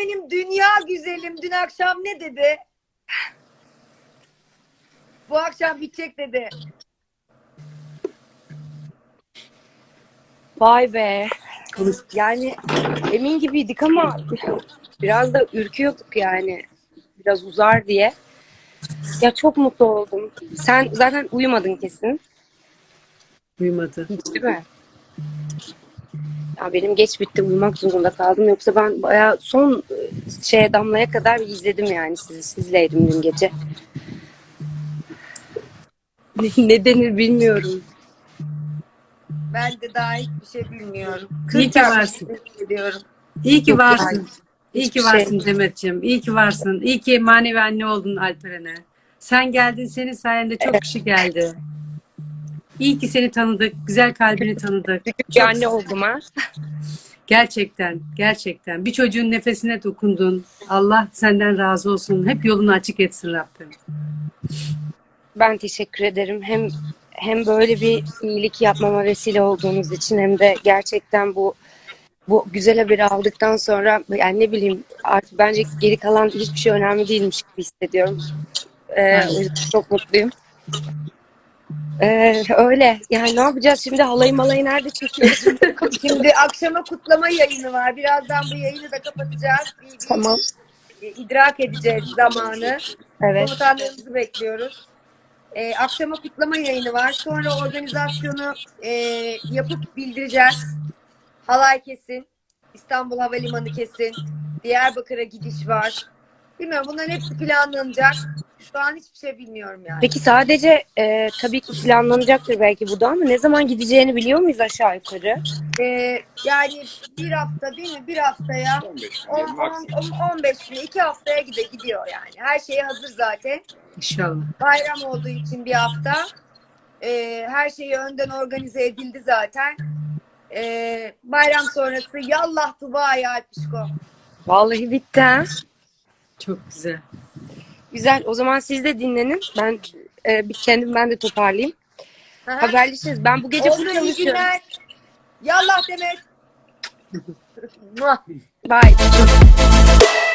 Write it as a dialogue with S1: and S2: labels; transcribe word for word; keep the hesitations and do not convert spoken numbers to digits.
S1: benim dünya güzelim dün akşam ne dedi? Bu akşam bitecek dedi.
S2: Vay be. Yani emin gibiydik ama biraz da ürküyorduk yani. Biraz uzar diye. Ya çok mutlu oldum. Sen zaten uyumadın kesin.
S3: Uyumadı.
S2: Hiç değil mi? Ya benim geç bitti. Uyumak zorunda kaldım. Yoksa ben bayağı son şeye damlaya kadar izledim yani sizi. Sizleydim dün gece. Ne denir bilmiyorum.
S1: Ben de daha hiçbir şey bilmiyorum.
S3: İyi
S1: kırk
S3: ki
S1: yapmış
S3: varsın.
S1: ediyorum.
S3: İyi ki
S2: Yok
S3: varsın.
S2: yani.
S3: İyi
S2: Hiçbir
S3: ki
S2: şey.
S3: varsın Demetciğim. İyi ki varsın. İyi ki manevi anne oldun Alperen'e. Sen geldin, senin sayende çok kişi geldi. İyi ki seni tanıdık, güzel kalbini tanıdık.
S2: Bir
S3: Çok
S2: anne oldum ha.
S3: gerçekten, gerçekten. Bir çocuğun nefesine dokundun. Allah senden razı olsun. Hep yolunu açık etsin Rabbim.
S2: Ben teşekkür ederim. Hem hem böyle bir iyilik yapmama vesile olduğunuz için hem de gerçekten bu bu güzel haberi aldıktan sonra yani ne bileyim artık bence geri kalan hiçbir şey önemli değilmiş gibi hissediyorum. Ee, o yüzden çok mutluyum. Ee, öyle. Yani ne yapacağız şimdi? Halayı malayı nerede çekiyoruz?
S1: Şimdi akşama kutlama yayını var. Birazdan bu yayını da kapatacağız. Bir, bir
S2: Tamam.
S1: idrak edeceğiz zamanı.
S2: Evet.
S1: Komutanlarımızı bekliyoruz. Ee, akşama kutlama yayını var. Sonra organizasyonu e, yapıp bildireceğiz. Halay kesin. İstanbul Havalimanı kesin. Diyarbakır'a gidiş var. Bilmiyorum, bunların hepsi planlanacak. Şu an hiçbir şey bilmiyorum yani.
S2: Peki sadece e, tabii ki planlanacaktır belki bu da ama ne zaman gideceğini biliyor muyuz aşağı yukarı?
S1: Ee, yani bir hafta değil mi? Bir haftaya on beş güne, iki haftaya gide gidiyor yani. Her şey hazır zaten.
S3: İnşallah.
S1: Bayram olduğu için bir hafta. Ee, her şeyi önden organize edildi zaten. Ee, bayram sonrası yallah Dubai'ye Alpişko.
S2: Vallahi bitti ha.
S3: Çok güzel.
S2: Güzel. O zaman siz de dinlenin. Ben e, bir kendim ben de toparlayayım.
S1: Aha.
S2: Haberleşiriz. Ben bu gece
S1: Oldu,
S2: full
S1: iyi
S2: çalışıyorum.
S1: günler. Yallah Demet.
S2: Bye.